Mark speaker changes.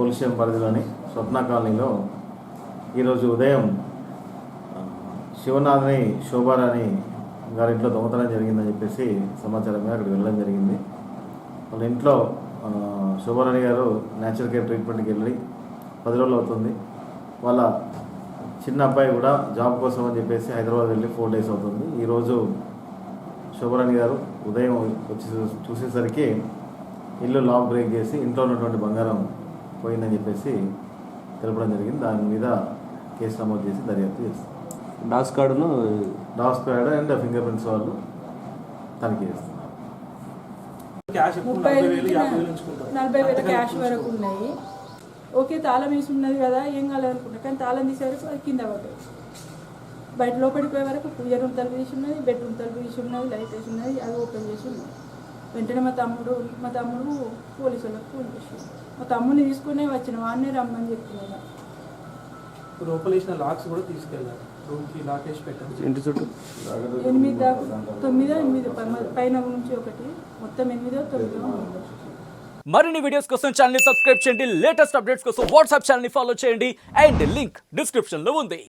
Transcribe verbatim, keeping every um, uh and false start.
Speaker 1: Police station పరిధిలోని స్వప్న కాలనీలో ఈరోజు ఉదయం శివనాథ్ని శోభారాణి గారి ఇంట్లో దొంగతనం జరిగిందని చెప్పేసి సమాచారం మీద అక్కడికి వెళ్ళడం జరిగింది. వాళ్ళ ఇంట్లో శోభారాణి గారు న్యాచురల్ కేర్ ట్రీట్మెంట్కి వెళ్ళి పది రోజులు అవుతుంది. వాళ్ళ చిన్న అబ్బాయి కూడా జాబ్ కోసం అని చెప్పేసి హైదరాబాద్ వెళ్ళి ఫోర్ డేస్ అవుతుంది. ఈరోజు శోభారాణి గారు ఉదయం వచ్చి చూసేసరికి ఇల్లు లాక్ బ్రేక్ చేసి ఇంట్లో ఉన్నటువంటి బంగారం పోయిందని చెప్పేసి తెలపడం జరిగింది. దాని మీద కేసు నమోదు చేసి దర్యాప్తు చేస్తారు.
Speaker 2: డాస్ కార్డును
Speaker 1: డాస్ కార్డ్ అండ్ ఫింగర్ ప్రింట్స్ వాళ్ళు తనిఖీ చేస్తున్నారు.
Speaker 3: నలభై వేల క్యాష్ వరకు ఉన్నాయి. ఓకే, తాళం వేసి ఉన్నది కదా, ఏం కాలేదనుకుంటా, కానీ తాళం తీసేవరకు అది కింద పడ్డది. బయట లోపలికి పోయే వరకు పూజ రూమ్ తలుపు తీసి ఉన్నది, బెడ్రూమ్ తలుపు తీసి ఉన్నది, లైట్ వేసి ఉన్నది, అది ఓపెన్ చేసి ఉన్నది. వెంటనే మా తమ్ముడు మా తమ్ముడు పోలీసు వాళ్ళకి ఫోన్ చేసి మా తమ్ముడిని తీసుకునే వచ్చిన వాడినే రమ్మని చెప్తున్నాను.
Speaker 4: లోపల వేసిన లాక్స్ కూడా తీసుకెళ్ళారు, రూమ్కి లాక్ వేసి పెట్టారు.
Speaker 2: ఇంటి చుట్టూ
Speaker 3: ఎనిమిది దాకా తొమ్మిదో ఎనిమిది పైన నుంచి ఒకటి మొత్తం ఎనిమిదో తొమ్మిదో.
Speaker 5: మరిన్ని వీడియోస్ కోసం ఛానల్ ని సబ్స్క్రైబ్ చేయండి. లేటెస్ట్ అప్డేట్స్ కోసం వాట్సాప్ ఛానల్ ని ఫాలో చేయండి. అండ్ లింక్ డిస్క్రిప్షన్ లో ఉంది.